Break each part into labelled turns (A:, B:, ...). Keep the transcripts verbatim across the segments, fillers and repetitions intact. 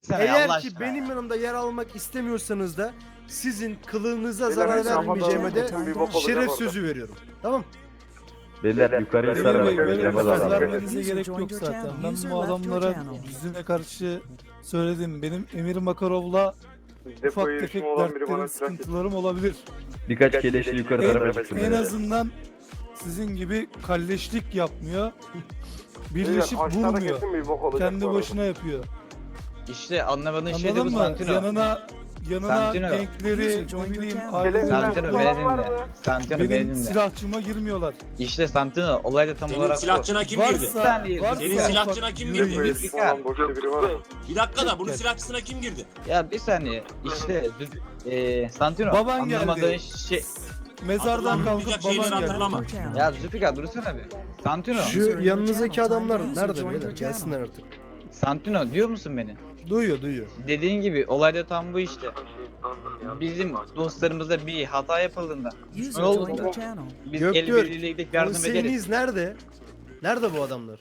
A: Sen ya,
B: Eğer
A: Allah
B: ki
A: aşkına
B: benim
A: ya.
B: yanımda yer almak istemiyorsanız da sizin kılığınıza
C: Beyler,
B: zarar
C: ben
B: vermeyeceğime de
C: bir bok olacak
B: şeref
C: orada.
B: sözü veriyorum. Tamam?
D: Beyler yukarıyı
E: Emir
D: sarın.
E: Bey böyle bir
C: Yapalım.
E: söz
C: Yapalım.
E: vermenize gerek yok zaten. Ben bu adamlara yüzüne karşı söyledim. Benim Emir Makarov'la ufak
C: Depoyu
E: tefek
C: işim olan biri bana
E: dertlerim,
C: silah getir.
E: sıkıntılarım olabilir.
D: Birkaç keleşli yukarı
E: En,
D: tarafa çıksın.
E: en
D: beyler.
E: azından sizin gibi kalleşlik yapmıyor.
C: Beyler,
E: Birleşip
C: aşağıda
E: vurmuyor.
C: kesin bir bok olacak bu
E: Kendi
C: arada.
E: başına yapıyor.
A: İşte anlamadığın şey de
E: Anladın
A: bu
E: mı?
A: Santino.
E: Yanına yanına
A: Santino.
E: denkleri, ne bileyim,
C: Gelelim
E: aileleri
A: Santino
C: Olan
A: beni
C: var
A: dinle.
C: mı?
A: Santino beni
E: benim
A: dinle.
E: silahçıma girmiyorlar.
A: İşte Santino olay da tam
F: Senin
A: olarak bu.
F: silahçına kim girdi?
E: Varsa,
A: saniye,
E: varsa
F: Senin
A: ufak-
F: silahçına kim
E: yürü-
F: girdi?
C: Depoyu
F: Bir,
C: işim olan boşta biri var mı?
F: bir dakika da bunun silahçısına kim girdi?
A: Ya bir saniye işte eee Santino
E: Baban
A: anlamadığın
E: geldi.
A: şey.
E: Mezardan kalkıp
F: Hatırlamayacak şeyleri
E: baban geldi.
F: hatırlama.
A: Ya Zülfikar dursana bir. Santino.
B: Şu yanınızdaki adamlar nerede beyler? Gelsinler artık.
A: Santino diyor musun beni?
B: Duyuyor duyuyor.
A: Dediğin gibi olayda tam bu işte. Bizim dostlarımızda bir hata yapıldığında ne oldu? Biz el
B: Göktürk,
A: birliğiyle gidip yardım ederiz.
B: konseyiniz nerede? Nerede bu adamlar?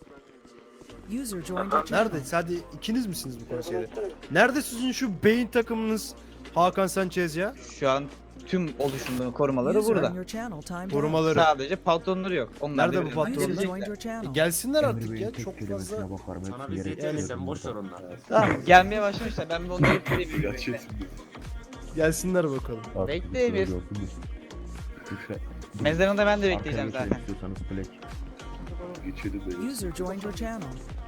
B: Nerede? Sadece ikiniz misiniz bu konseyde? Nerede sizin şu beyin takımınız Hakan Sanchez ya?
A: Şu an tüm oluşumların korumaları burada.
B: Korumaları.
A: Sadece patronları yok. Onlar
B: Nerede
A: da
B: bu
A: birini
B: patronlar?
A: gelecekler.
B: E gelsinler artık ya. Çok fazla.
F: Sana bir zeytin sen boş ver onları.
A: Tamam gelmeye başlamışlar. Ben bir onları bekleyebilirim.
B: Gelsinler bakalım.
A: Bekle Emir. Mezarında ben de bekleyeceğim zaten.
G: User joined your channel.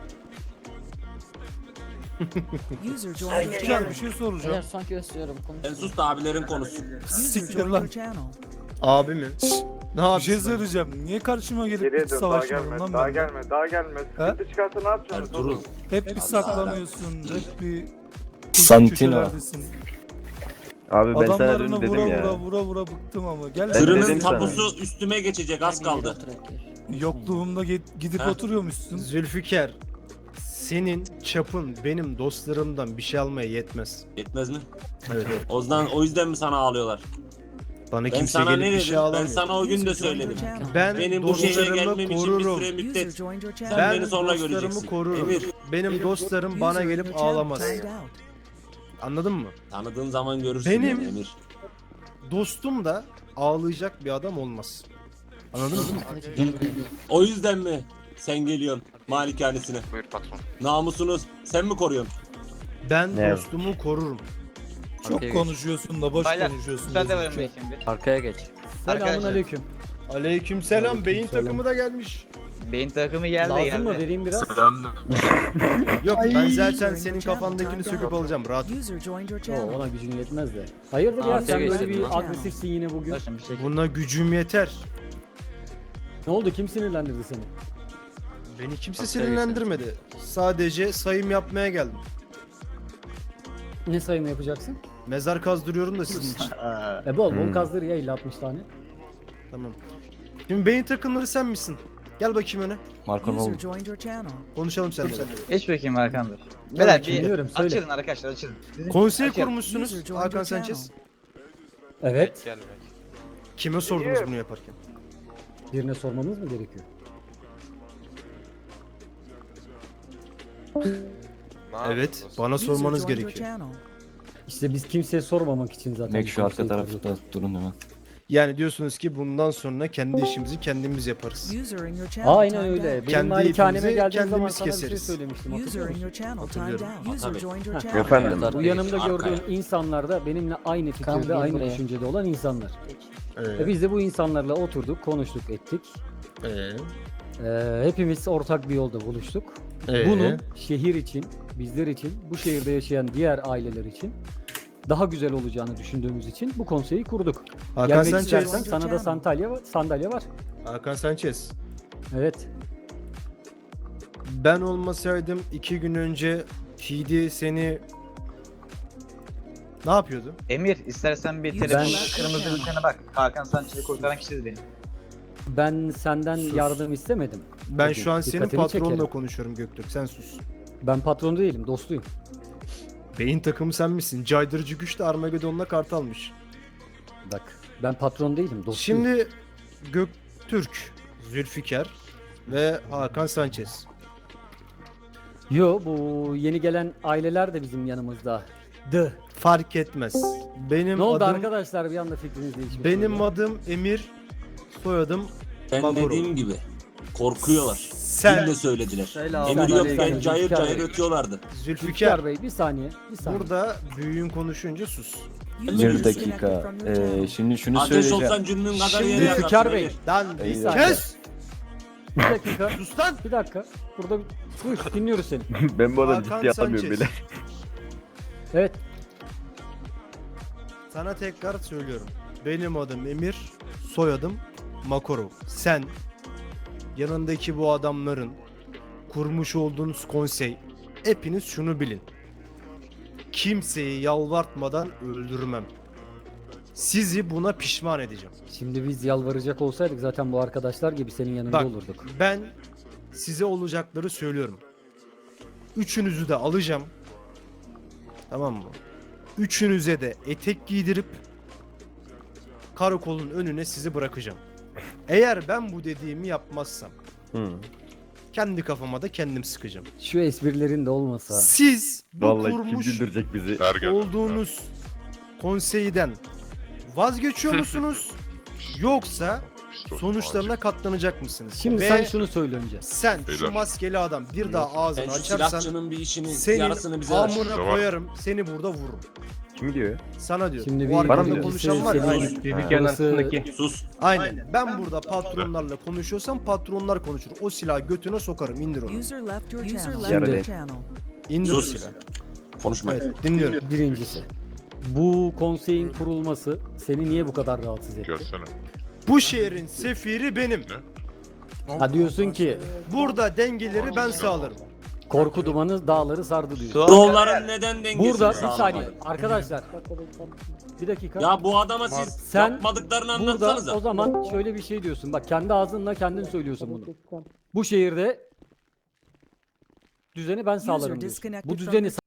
G: User joined your
E: Güzel
G: channel.
E: bir şey soracağım.
H: sanki istiyorum.
F: Sen sus da abilerin konuşsun.
G: User
E: Siktir
G: joined
E: lan.
G: your channel.
B: Abi mi? Ne
E: Bir
B: yapıyorsun?
E: şey söyleyeceğim. Niye karşıma gelip
C: Geriye
E: hiç
C: dön, daha
E: savaşmadın
C: gelme,
E: lan
C: daha
E: ben?
C: gelme, daha gelme. Sıkıntı çıkarsa ne yapacaksın?
F: Durun.
E: Hep bir saklanıyorsun, hep bir
D: Santino.
E: köşelerdesin.
D: Abi ben sana
E: Adamlarına
D: dün
E: vura
D: dedim
E: vura
D: ya.
E: vura vura bıktım ama. Gel
D: Ben
F: Tırının
D: dedim sana.
F: tapusu üstüme geçecek az kaldı.
E: yokluğumda git- gidip
F: Ha?
E: oturuyormuşsun.
B: Zülfikar, senin çapın benim dostlarımdan bir şey almaya yetmez.
F: Yetmez mi?
B: Evet.
F: O yüzden, o yüzden mi sana ağlıyorlar?
B: Bana
F: Ben
B: kimse
F: sana
B: gelip
F: ne
B: bir
F: dedim?
B: şey
F: Ben
B: alamıyor.
F: sana o gün de
G: User joined your
F: söyledim.
G: channel.
B: Ben
F: Benim bu şehre
B: dostlarımı
F: gelmem için bir
B: korurum.
F: süre
G: User
F: müddet.
G: joined your
F: Sen
G: channel.
B: Ben
F: beni sonra
B: dostlarımı
F: göreceksin.
B: korurum.
F: Emir,
B: Benim dostlarım bana
G: User in
B: gelip
G: your channel
B: ağlamaz.
G: timed out.
B: Anladın mı?
F: tanıdığın zaman görürsün
B: Benim-
F: beni Emir.
B: Dostum da ağlayacak bir adam olmaz. Anladın mı?
F: O yüzden mi sen geliyorsun malikanesine?
C: Buyur patron.
F: Namusunu sen mi koruyorsun?
B: Ben
D: Ne?
B: dostumu korurum.
E: Çok konuşuyorsun da boş
A: Baylar,
E: konuşuyorsun.
A: Müsaade
E: dedim
A: verin
E: ki.
A: bakayım bir.
H: Arkaya geç.
A: Arkadaşlar
B: Aleykümselam. Beyin
E: Aleykümselam.
B: takımı da gelmiş.
A: beyin takımı geldi geldi.
H: vereyim biraz?
B: Yok ben
G: Ay.
B: zaten senin kafandakini söküp alacağım. Rahat.
G: User joined your
H: Oo,
G: channel.
H: ona gücün yetmez de. Hayırdır ya
F: Arkaya
H: sen böyle
F: geçtim
H: bir
F: lan.
H: agresifsin yine bugün.
A: Başım bir şey.
B: Buna gücüm yeter.
H: Ne oldu kim sinirlendirdi seni?
B: Beni kimse sinirlendirmedi. Sadece sayım yapmaya geldim.
H: Ne sayımı yapacaksın?
B: Mezar kazdırıyorum da sizin için.
H: E bol bol
D: Hmm.
H: kazdır ya elli altmış tane.
B: Tamam. Şimdi beyin takımları sen misin? Gel bakayım öne.
D: Marco ne
G: User
D: oldu?
G: joined your channel.
B: Konuşalım seninle.
A: Geç bakayım Hakan Bey. Beyler bir
H: dinliyorum, söyle.
A: açılın arkadaşlar açılın.
B: Konsey
A: Açalım.
B: kurmuşsunuz
G: User joined
B: Hakan
G: your
B: Sanchez.
H: Evet.
B: Kime sordunuz bunu yaparken?
H: Birine sormamız mı gerekiyor?
B: Evet, bana
G: User
B: sormanız
G: joined your
B: gerekiyor.
G: channel.
H: İşte biz kimseye sormamak için zaten.
D: Mek
H: bu
D: şu arka
H: konseyi
D: tarafta
H: kurduk.
D: durun hemen.
B: Yani diyorsunuz ki bundan sonra kendi işimizi kendimiz yaparız.
G: User in your channel
H: Aynen
G: timed
H: öyle.
G: out.
H: Benim
B: Kendi
H: malikaneme
B: ipimizi
H: geldiğin zaman
B: kendimiz
H: sana bir şey
B: keseriz.
H: söylemiştim. hatırlıyor
G: User in
H: musun?
G: your channel timed
B: Hatırlıyorum.
G: out. User
F: Tabii.
G: joined your
H: Ha.
G: channel.
D: Efendim.
H: Bu yanımda
F: Arkaya.
H: gördüğün insanlar da benimle aynı fikirde, Tamam, gel aynı buraya. düşüncede olan insanlar. E
B: Ee,
H: biz de bu insanlarla oturduk, konuştuk, ettik.
B: ee,
H: Ee, hepimiz ortak bir yolda buluştuk.
B: ee.
H: Bunun şehir için, bizler için, bu şehirde yaşayan diğer aileler için daha güzel olacağını düşündüğümüz için bu konseyi kurduk.
B: Hakan
H: Gelmek
B: Sanchez.
H: istersen sana da sandalye var, sandalye var.
B: Hakan Sanchez.
H: Evet.
B: Ben olmasaydım iki gün önce T D seni ne yapıyordu?
A: Emir istersen bir
G: Ben-
A: telefonun kırmızı bültene bak. Hakan Sanchez'i kurtaran kişiyiz benim.
H: Ben senden
B: Sus.
H: yardım istemedim.
B: Ben
H: Bugün
B: şu an senin
H: dikkatini
B: patronunla
H: çekerim.
B: konuşuyorum Göktürk. Sen sus.
H: Ben patron değilim, dostuyum.
B: Beyin takımı sen misin? Caydırıcı güç de Armageddon'la kart almış.
H: Bak, ben patron değilim, dostuyum.
B: Şimdi Göktürk, Zülfikar ve Hakan Sanchez.
H: Yo, bu yeni gelen aileler de bizim yanımızda. Dı.
B: Fark etmez. Benim
H: Ne oldu
B: adım
H: arkadaşlar, bir anda fikriniz değişmiş.
B: benim adım Emir, soyadım
F: Ben
B: Makarov.
F: dediğim gibi korkuyorlar.
B: Sen
F: Dille söylediler.
B: Selam.
F: Emir
H: Sen-
F: yokken
H: Sen-
F: cayır
H: Zülfikar
F: cayır
H: Bey.
F: ötüyorlardı.
B: Zülfikar.
H: Zülfikar Bey bir saniye. Bir saniye.
B: Burada büyüğün konuşunca sus.
G: User
D: Bir
G: disconnected
D: dakika.
G: from your
D: Ee,
G: channel.
D: şimdi şunu
F: Ateş
D: söyleyeceğim.
F: olsan cünnün kadar
B: Şimdi
F: yere
H: Zülfikar
F: yakarsın.
H: Bey.
F: Emir.
B: Lan
D: Bir
B: kes!
H: Bir dakika.
B: Sus lan!
H: Bir dakika. Burada bir... Buyur, dinliyoruz seni.
D: Ben bu adamı
B: Hakan
D: ciddiye atamıyorum
B: Sanchez.
D: bile.
H: Evet.
B: Sana tekrar söylüyorum. Benim adım Emir, soyadım Makarov. Sen yanındaki bu adamların kurmuş olduğunuz konsey, hepiniz şunu bilin. Kimseyi yalvartmadan öldürmem. Sizi buna pişman edeceğim.
H: Şimdi biz yalvaracak olsaydık zaten bu arkadaşlar gibi senin yanında
B: Bak,
H: olurduk.
B: ben size olacakları söylüyorum. Üçünüzü de alacağım. Tamam mı? Üçünüze de etek giydirip karakolun önüne sizi bırakacağım. Eğer ben bu dediğimi yapmazsam
D: Hı.
B: kendi kafama da kendim sıkacağım.
H: Şu esprilerin de olmasa.
B: Siz bu
D: Vallahi kim
B: kurmuş
D: güldürecek bizi?
B: olduğunuz konseyden vazgeçiyor musunuz? Yoksa sonuçlarına katlanacak mısınız?
H: Şimdi
B: Ve
H: sen şunu söyle önce.
B: sen şu
I: Beyler.
B: maskeli adam bir daha
F: Sen
B: ağzını
F: şu
B: açarsan
F: silahçının bir işini,
B: senin
F: yarısını bize ver.
B: amına
I: Tamam.
B: koyarım, seni burada vururum.
D: Kim diyor?
B: Sana diyor.
H: Şimdi
B: Bu
H: bir
D: Bana mı
B: arkada
D: diyor?
B: konuşan var ya.
H: Senin-
B: Aynen.
H: Burası-
F: Sus.
B: Aynen. Ben burada patronlarla konuşuyorsam patronlar konuşur. O silahı götüne sokarım. İndir onu.
G: User left your
B: User
G: channel.
B: left
D: your
G: Your channel.
B: İndir o
F: Sus.
B: silahı.
F: Konuşma.
B: Evet, dinliyorum.
H: Birincisi. Bu konseyin kurulması seni niye bu kadar rahatsız etti?
I: Gelsene.
B: Bu şehrin sefiri benim.
H: Ha diyorsun ki
B: Burada dengeleri ben sağlarım.
H: korku dumanı dağları sardı diyor.
F: Doğruların neden dengesini
H: Burada bir
F: sağlamayın?
H: saniye arkadaşlar. Bir dakika.
F: Ya bu adama siz
H: Sen
F: yapmadıklarını
H: Burada
F: anlatsanıza.
H: o zaman şöyle bir şey diyorsun. Bak kendi ağzınla kendin söylüyorsun bunu. Bu şehirde düzeni ben sağlarım diyorsun.
G: disconnected
H: Bu
G: from
H: düzeni
G: your